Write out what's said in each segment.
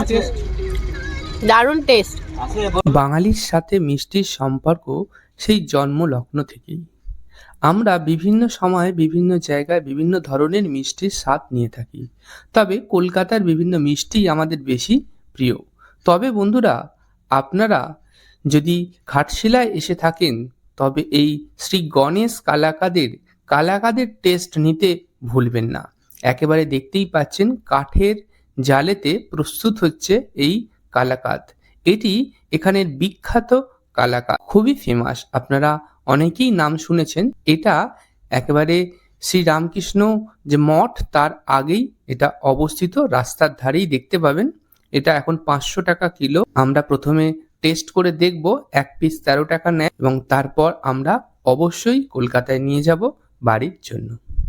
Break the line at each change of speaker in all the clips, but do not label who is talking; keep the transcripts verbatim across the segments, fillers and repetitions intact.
Test, দারুণ test.
বাঙালির সাথে মিষ্টির সম্পর্ক সেই জন্মলগ্ন থেকেই। আমরা বিভিন্ন সময়ে বিভিন্ন জায়গায় বিভিন্ন ধরনের মিষ্টির স্বাদ নিয়ে থাকি, তবে কলকাতার বিভিন্ন মিষ্টি আমাদের বেশি প্রিয়। তবে বন্ধুরা, আপনারা যদি ঘাটশিলায় এসে থাকেন তবে এই শ্রী গণেশ কালাকাদের কালাকাদের টেস্ট নিতে ভুলবেন না। একেবারে দেখতেই পাচ্ছেন কাঠের জালেতে প্রস্তুত হচ্ছে এই কালাকাদ। এটি এখানের বিখ্যাত কালাকাদ, খুবই ফেমাস, আপনারা অনেকেই নাম শুনেছেন। এটা একেবারে শ্রী রামকৃষ্ণ যে মঠ তার আগেই এটা অবস্থিত, রাস্তার ধারেই দেখতে পাবেন। এটা এখন পাঁচশো টাকা কিলো। আমরা প্রথমে টেস্ট করে দেখব, এক পিস তেরো টাকা নেয় এবং তারপর আমরা অবশ্যই কলকাতায় নিয়ে যাব বাড়ির জন্য।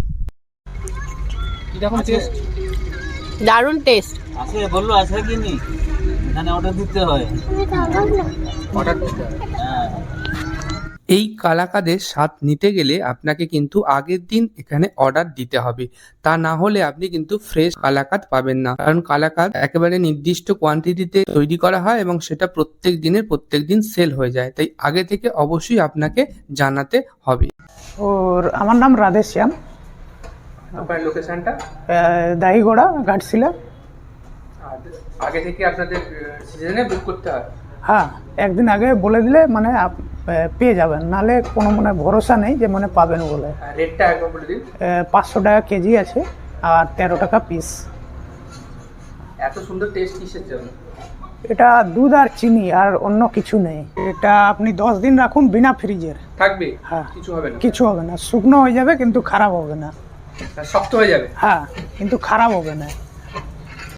কিরকম টেস্ট?
দারুণ টেস্ট।
আছে বললো আছে কি নি? এখানে অর্ডার দিতে হয়।
অর্ডার দিতে হয়।
হ্যাঁ।
এই কালাকাদের স্বাদ নিতে গেলে আপনাকে কিন্তু আগের দিন এখানে অর্ডার দিতে হবে, তা না হলে আপনি কিন্তু ফ্রেশ কালাকাদ পাবেন না। কারণ কালাকাদ একেবারে নির্দিষ্ট কোয়ান্টিটিতে তৈরি করা হয় এবং সেটা প্রত্যেক দিনের প্রত্যেক দিন সেল হয়ে যায়, তাই আগে থেকে অবশ্যই আপনাকে জানাতে হবে।
ওর আমার নাম রাধেশ্যাম,
আপনার লোকেশনটা?
দাহিগোড়া, ঘাটশিলা।
আগে থেকে আপনাদের সিজনে বুক করতে হয়?
হ্যাঁ, একদিন আগে বলে দিলে মানে আপ- পেয়ে যাবেন, নাহলে কোনো মানে ভরসা নেই যে মানে পাবেন বলে।
রেটটা একবার বলে দিন।
পাঁচশো টাকা কেজি আছে আর তেরো টাকা পিস।
এত সুন্দর টেস্ট কিসের জন্য?
এটা দুধ আর চিনি আর অন্য কিছু নেই। এটা আপনি দশ দিন রাখুন বিনা ফ্রিজের,
থাকবে?
হ্যাঁ,
কিছু হবে না?
কিছু হবে না, শুকনো হয়ে যাবে কিন্তু খারাপ হবে না।
শক্ত হয়ে যাবে?
হ্যাঁ, কিন্তু খারাপ হবে না।